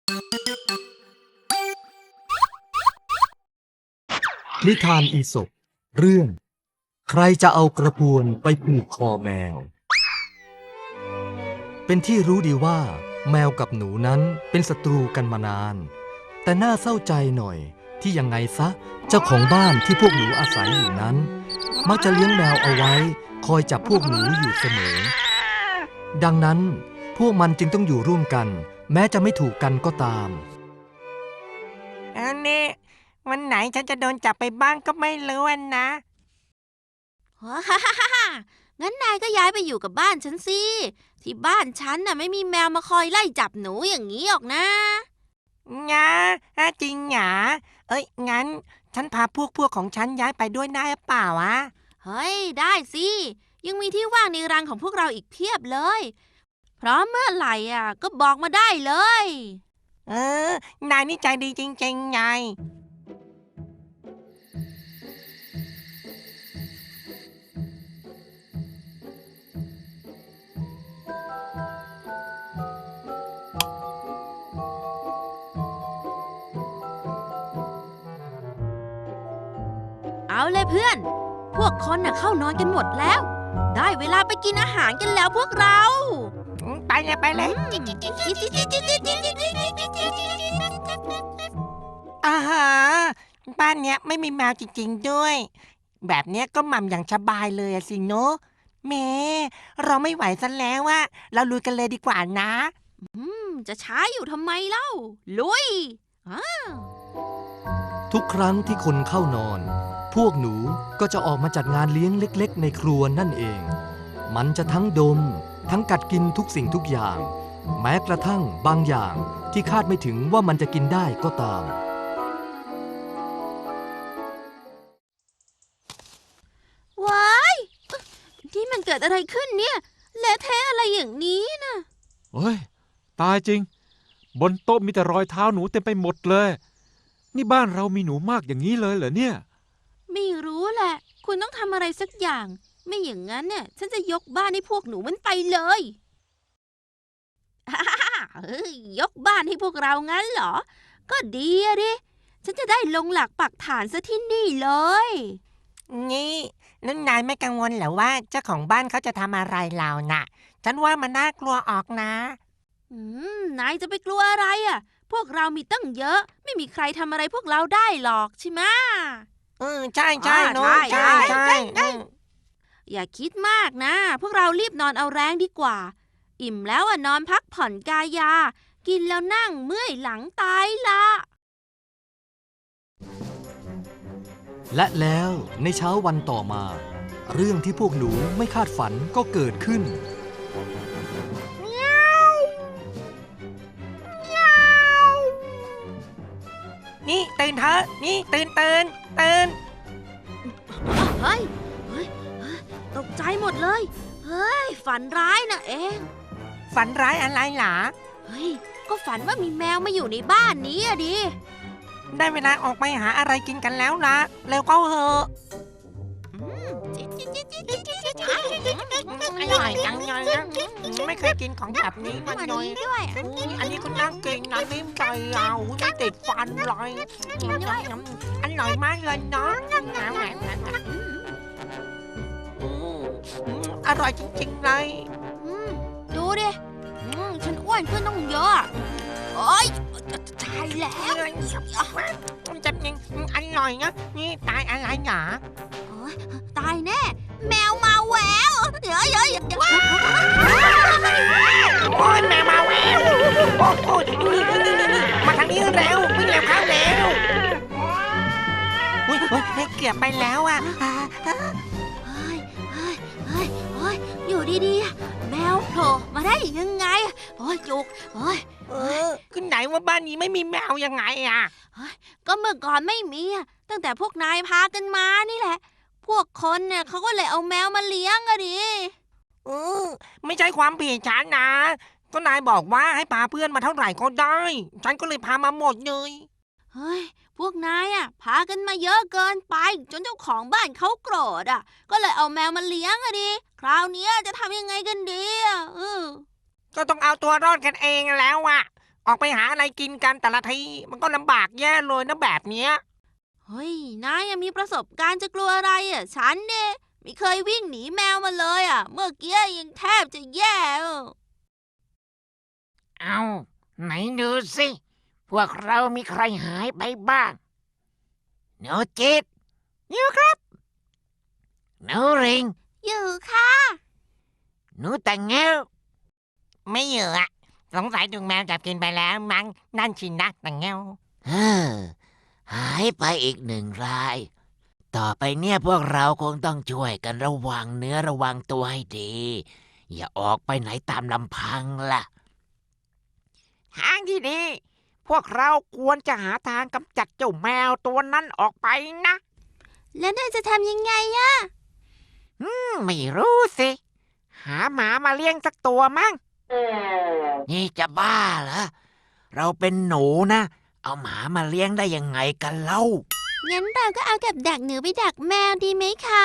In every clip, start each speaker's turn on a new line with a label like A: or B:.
A: นิทานอีสปเรื่องใครจะเอากระพวนไปผูกคอแมวเป็นที่รู้ดีว่าแมวกับหนูนั้นเป็นศัตรูกันมานานแต่น่าเศร้าใจหน่อยที่ยังไงซะเจ้าของบ้านที่พวกหนูอาศัยอยู่นั้นมักจะเลี้ยงแมวเอาไว้คอยจับพวกหนูอยู่เสมอดังนั้นพวกมันจึงต้องอยู่ร่วมกันแม้จะไม่ถูกกันก็ตาม
B: เอาเนี่ยวันไหนฉันจะโดนจับไปบ้างก็ไม่รู้นะ
C: ฮ่าฮ่าฮ่างั้นนายก็ย้ายไปอยู่กับบ้านฉันสิที่บ้านฉันน่ะไม่มีแมวมาคอยไล่จับหนูอย่างนี้หรอกนะ
B: งาจริงหรองั้นฉันพาพวกของฉันย้ายไปด้วยได้หรือเปล่าวะ
C: เฮ้ยได้สิยังมีที่ว่างในรังของพวกเราอีกเพียบเลยพร้อมเมื่อไหร่ก็บอกมาได้เลย
B: นายนี่ใจดีจริงๆไง
C: เอาเลยเพื่อนพวกคนน่ะเข้านอนกันหมดแล้วได้เวลาไปกินอาหารกันแล้วพวกเรา
B: ไปเลยอาหาบ้านเนี้ยไม่มีแมวจริงๆด้วยแบบเนี้ยก็หม่ำอย่างสบายเลยสิเนอะแม่เราไม่ไหวซะแล้วว่าเราลุยกันเลยดีกว่านะ
C: จะช้าอยู่ทำไมเล่าลุย
A: ทุกครั้งที่คนเข้านอนพวกหนูก็จะออกมาจัดงานเลี้ยงเล็กๆในครัวนั่นเองมันจะทั้งดมทั้งกัดกินทุกสิ่งทุกอย่างแม้กระทั่งบางอย่างที่คาดไม่ถึงว่ามันจะกินได้ก็ตาม
C: ว้ายที่มันเกิดอะไรขึ้นเนี่ยเละเทะอะไรอย่างนี้นะ
D: เฮ้ยตายจริงบนโต๊ะมีแต่รอยเท้าหนูเต็มไปหมดเลยนี่บ้านเรามีหนูมากอย่างนี้เลยเหรอเนี่ย
C: ไม่รู้แหละคุณต้องทำอะไรสักอย่างไม่อย่างนั้นเนี่ยฉันจะยกบ้านให้พวกหนูมันไปเลยยกบ้านให้พวกเรางั้นเหรอก็ดีอะดิฉันจะได้ลงหลักปักฐานซะที่นี่เลย
B: นี่แล้วนายไม่กังวลเหรอว่าเจ้าของบ้านเขาจะทำอะไรเราน่ะฉันว่ามันน่ากลัวออกนะ
C: นายจะไปกลัวอะไรอ่ะพวกเรามีตั้งเยอะไม่มีใครทำอะไรพวกเราได้หรอกใช่ไหม
B: ใช่เนอะใช่
C: อย่าคิดมากนะพวกเรารีบนอนเอาแรงดีกว่าอิ่มแล้วนอนพักผ่อนกายากินแล้วนั่งเมื่อยหลังตายละ
A: และแล้วในเช้าวันต่อมาเรื่องที่พวกหนูไม่คาดฝันก็เกิดขึ้น
B: นี่ตื่นเถอะนี่ตื่น
C: เฮ้ยตกใจหมดเลยเฮ้ยฝันร้ายนะเอง
B: ฝันร้ายอะไรหรอ
C: เฮ้ยก็ฝันว่ามีแมวมาอยู่ในบ้านนี้อะดิ
B: ได้เวลาออกไปหาอะไรกินกันแล้วนะเร็วเข้าเถอะอร่อยจังเลยนะไม่เคยกินของแบบนี้มาเลยอันนี้ก็น่ากินนะนิ่มใจเราไม่ติดฟันเลยอร่อยมากเลยเนาะอร่อยจริงๆเลย
C: ดูดิฉันอ้วนขึ้นต้องเยอะโอ๊ยตายแล้ว
B: จะยังอร่อยนะนี่ตายอะไรหรอ
C: ตายแน่แมวมาแหววเดี๋ยว
B: โอ้ยแมวมาแหววโอ้ยมาทางนี้เร็ววิ่งเร็วเข้าเร็วไม่เกือบไปแล้วอ่ะ
C: อยู่ดีๆแมวโผล่มาได้ยังไงโอ้ยจุก
B: ขึ้นไหนว่าบ้านนี้ไม่มีแมวยังไงอ่ะ
C: ก็เมื่อก่อนไม่มีตั้งแต่พวกนายพากันมานี่แหละพวกคนเนี่ยเขาก็เลยเอาแมวมาเลี้ยงอะดิ
B: ไม่ใช่ความผิดฉันนะก็นายบอกว่าให้พาเพื่อนมาเท่าไหร่ก็ได้ฉันก็เลยพามาหมดเลย
C: เฮ้ยพวกนายพากันมาเยอะเกินไปจนเจ้าของบ้านเขาโกรธก็เลยเอาแมวมาเลี้ยงอะดิคราวนี้จะทำยังไงกันดีก็
B: ต้องเอาตัวรอดกันเองแล้วออกไปหาอะไรกินกันแต่ละทีมันก็ลำบากแย่เลยนะแบบเนี้ย
C: เฮ้ยนายยังมีประสบการณ์จะกลัวอะไรอ่ะฉันเนี่ยไม่เคยวิ่งหนีแมวมาเลยอ่ะเมื่อกี้ยังแทบจะแย่อ่ะ
E: เอาไหนดูสิ พวกเรามีใครหายไปบ้างหนูจิตอยู่ครับหนูริง
C: อยู่ค่ะ
E: หนูแต่งเงี้ยว
B: ไม่เหยอะสงสัยถูกแมวจับกินไปแล้วมั้งนั่นชินนะแต่เงา
E: เฮ้อหายไปอีก1 ราย ต่อไปเนี่ยพวกเราคงต้องช่วยกันระวังเนื้อระวังตัวให้ดี อย่าออกไปไหนตามลำพังล่ะ
B: ทางที่ดี พวกเราควรจะหาทางกำจัดเจ้าแมวตัวนั้นออกไปนะ
C: แล้วนายจะทำยังไงอะ
B: ไม่รู้สิ หาหมามาเลี้ยงสักตัวมั้ง
E: นี่จะบ้าเหรอ เราเป็นหนูนะ เอาหมามาเลี้ยงได้ยังไงกันเล่า
C: งั้นเราก็เอากับดักหนูไปดักแมวดีไหมคะ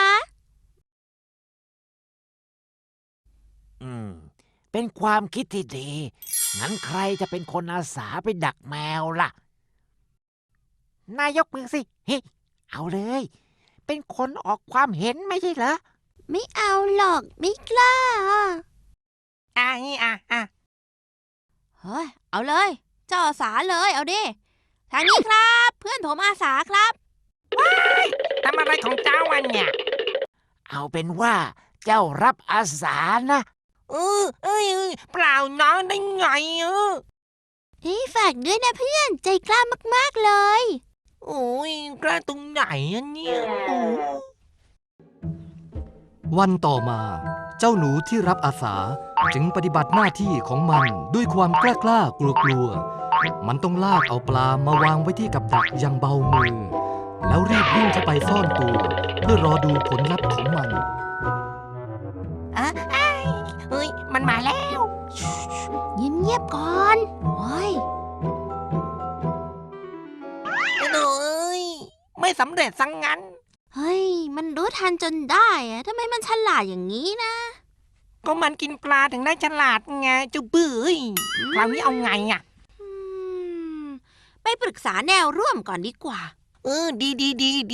E: เป็นความคิดที่ดี งั้นใครจะเป็นคนอาสาไปดักแมวล่ะ
B: นายยกมือสิเฮ้ยเอาเลย เป็นคนออกความเห็นไม่ใช่เหรอ
C: ไม่เอาหรอกไม่กล้า
B: อ่ะ
C: เฮ้ยเอาเลยเจ้าอาสาเลยเอาดิทางนี้ครับ เพื่อนผมอาสาครับ
B: ทำอะไรของเจ้าวันเนี่ย
E: เอาเป็นว่าเจ้ารับอาสานะ
B: เปล่าน้องได้ไง
C: นี่ฝากด้วยนะเพื่อนใจกล้ามากๆเลย
B: โอ้ยกล้าตรงไหนอะเนี่ยโอ้
A: วันต่อมา เจ้าหนูที่รับอาสาจึงปฏิบัติหน้าที่ของมันด้วยความกล้ากลัวๆมันต้องลากเอาปลามาวางไว้ที่กับดักอย่างเบามือ แล้วรีบวิ่งเข้าไปซ่อนตัว เพื่อรอดูผลลัพธ์ของมัน
B: เฮ้ยมันมาแล้ว
C: เงียบๆก่อนโอ้ย
B: เอ้ยไม่สำเร็จสังงั้น
C: เฮ้ยมันรู้ทันจนได้อะทำไมมันฉลาดอย่างนี้นะ
B: ก็มันกินปลาถึงได้ฉลาดไงเจ้าบื้อคราวนี้เอาไงอ่ะ
C: อืมไปปรึกษาแนวร่วมก่อนดีกว่า
B: ดี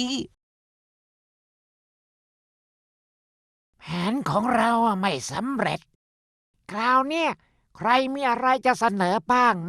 E: แผนของเราไม่สำเร็จ คราวเนี้ยใครมีอะไรจะเสนอบ้างไหม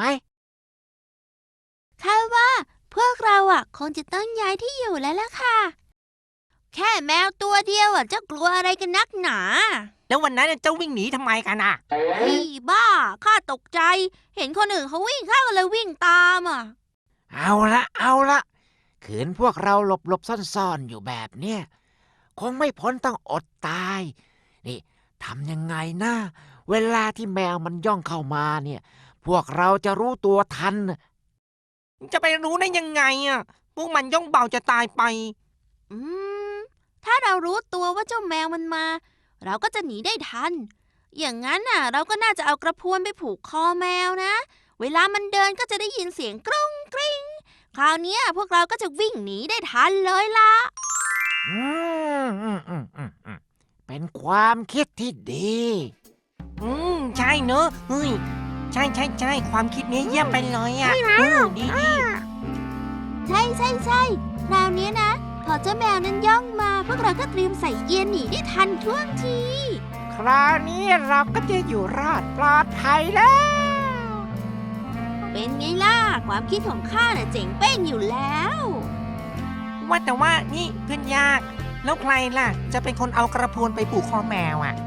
C: ข้าว่าพวกเราคงจะต้องย้ายที่อยู่แล้วล่ะค่ะ แค่แมวตัวเดียวจะกลัวอะไรกันนักหนา
B: แล้ววันนั้นเจ้าวิ่งหนีทำไมกันอ่ะ
C: เฮ้ยบ้าข้าตกใจ เห็นคนอื่นเขาวิ่งข้าก็เลยวิ่งตามอ่ะ
E: เอาละขืนพวกเราหลบซ่อนๆอยู่แบบเนี้ยคงไม่พ้นต้องอดตาย นี่ทำยังไงนะเวลาที่แมวมันย่องเข้ามาเนี่ย พวกเราจะรู้ตัวทัน
B: จะไปรู้ได้ยังไงอ่ะ พวกมันย่องเบาจะตายไป
C: อืมถ้าเรารู้ตัวว่าเจ้าแมวมันมา เราก็จะหนีได้ทัน อย่างนั้นเราก็น่าจะเอากระพวนไปผูกคอแมวนะ เวลามันเดินก็จะได้ยินเสียงกรุ้งกริ้งคราวเนี้ยพวกเราก็จะวิ่งหนีได้ทันเลยล่ะ
E: อืมเป็นความคิดที่ดี
B: ใช่เนอะเฮ้ยใช่ความคิดนี้เยี่ยมไปเลยอ่ะดี
C: ใช่คราวเนี้ยนะ พอเจ้าแมวนั้นย่องมา พวกเราก็เตรียมใส่เกียร์หนีได้ทันท่วงที
B: คราวนี้เราก็จะอยู่รอดปลอดภัยแล้ว
C: เป็นไงล่ะ ความคิดของข้าเจ๋งเป้งอยู่แล้ว
B: ว่าแต่ว่านี่เพื่อนยาก แล้วใครล่ะ จะเป็นคนเอากระพวนไปผูกคอแมวอ่ะ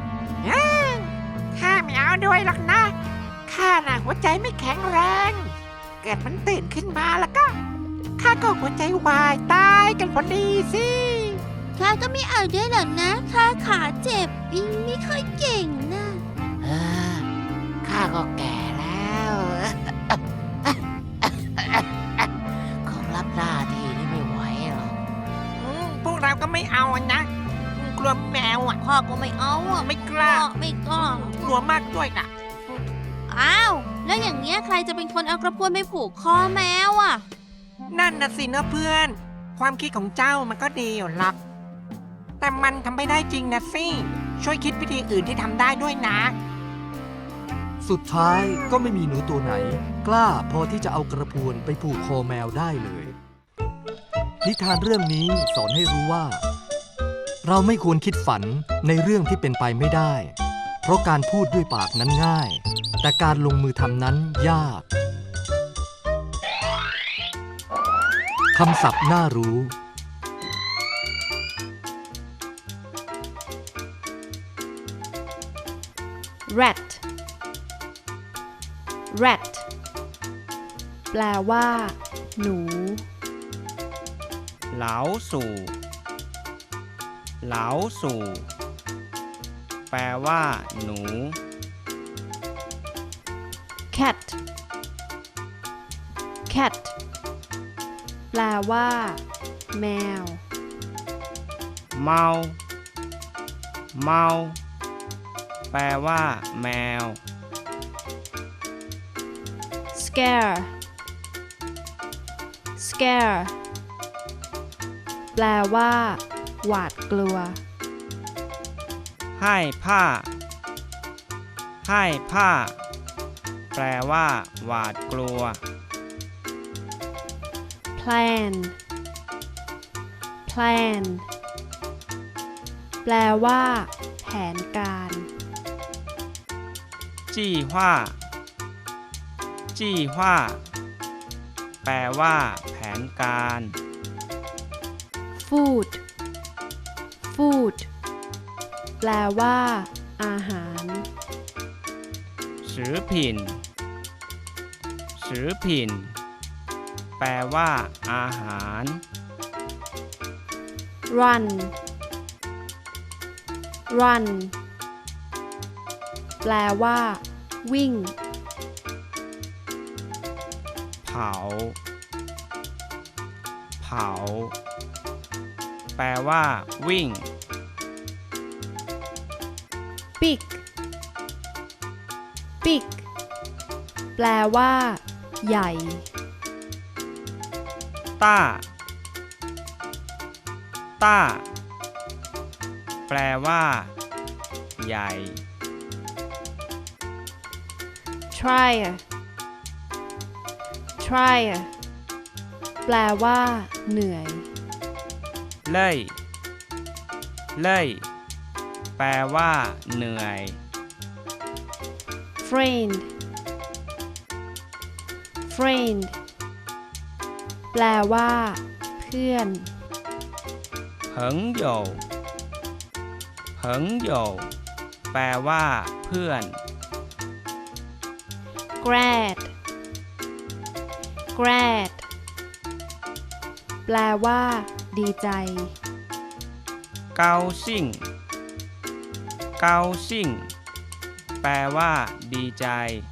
B: ข้าไม่เอาด้วยหรอกนะข้าน่ะหัวใจไม่แข็งแรง เกิดมันตื่นขึ้นมาแล้วก็ข้าก็หัวใจวายตายกันพอดีสิ
C: ข้าก็ไม่เอาด้วยหรอกนะ ข้าขาเจ็บวิ่งไม่ค่อยเก่งนะ
E: ข้าก็แก่แล้ว คงรับหน้าที่นี้ไม่ไหวหรอก
B: พวกเราก็ไม่เอานะ กลัวแมวอ่ะ
C: ข้าก็ไม่เอา
B: ไม่กล้า
C: ไม่กล้าก
B: ลัวมากด้วยนะ
C: อ้าว แล้วอย่างเงี้ยใครจะเป็นคนเอากระพวนไปผูกคอแมวอ่ะ
B: นั่นน่ะสินะเพื่อน ความคิดของเจ้ามันก็ดีอยู่หรอกแต่มันทำไม่ได้จริงนะสิ ช่วยคิดวิธีอื่นที่ทำได้ด้วยนะ
A: สุดท้ายก็ไม่มีหนูตัวไหน กล้าพอที่จะเอากระพวนไปผูกคอแมวได้เลย นิทานเรื่องนี้สอนให้รู้ว่า เราไม่ควรคิดฝันในเรื่องที่เป็นไปไม่ได้ เพราะการพูดด้วยปากนั้นง่าย แต่การลงมือทำนั้นยากคำศัพท์น่ารู้
F: rat rat แปลว่า หนู
G: เหลาสู่ เหลาสู่ แปลว่า หนู
F: cat cat แปลว่า แมว
G: เมา เมา แปลว่า แมว
F: scare scare แปลว่า หวาดกลัว
G: ให้ผ้า ให้ผ้า แปลว่า หวาดกลัว
F: plan plan แปลว่า แผนการ
G: จี้หว่า จี้หว่า แปลว่า แผนการ
F: food food แปลว่า อาหาร
G: สือผิน สือผิน แปลว่า อาหาร
F: run run แปลว่า วิ่ง
G: เผา เผา แปลว่า วิ่ง
F: big big แปลว่า ใหญ่
G: ต้า ต้า แปลว่า ใหญ่
F: tire tire แปลว่า เหนื่อย
G: เล่ย เล่ย แปลว่า เหนื่อย
F: friend friend แปลว่า เพื่อน
G: เหิงโยเหิงโยแปลว่า เพื่อน
F: grad grad แปลว่า ดีใจ
G: เกาซิ่ง เกาซิ่ง แปลว่า ดีใจ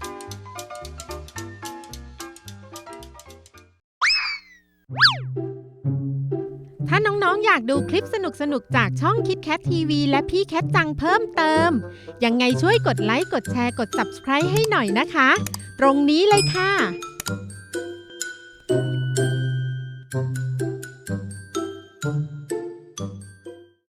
H: ถ้าน้องๆอยากดูคลิปสนุกๆจากช่อง KitKat TV และพี่แคทจังเพิ่มเติม ยังไงช่วยกดไลค์ กดแชร์ กด Subscribe ให้หน่อยนะคะ ตรงนี้เลยค่ะ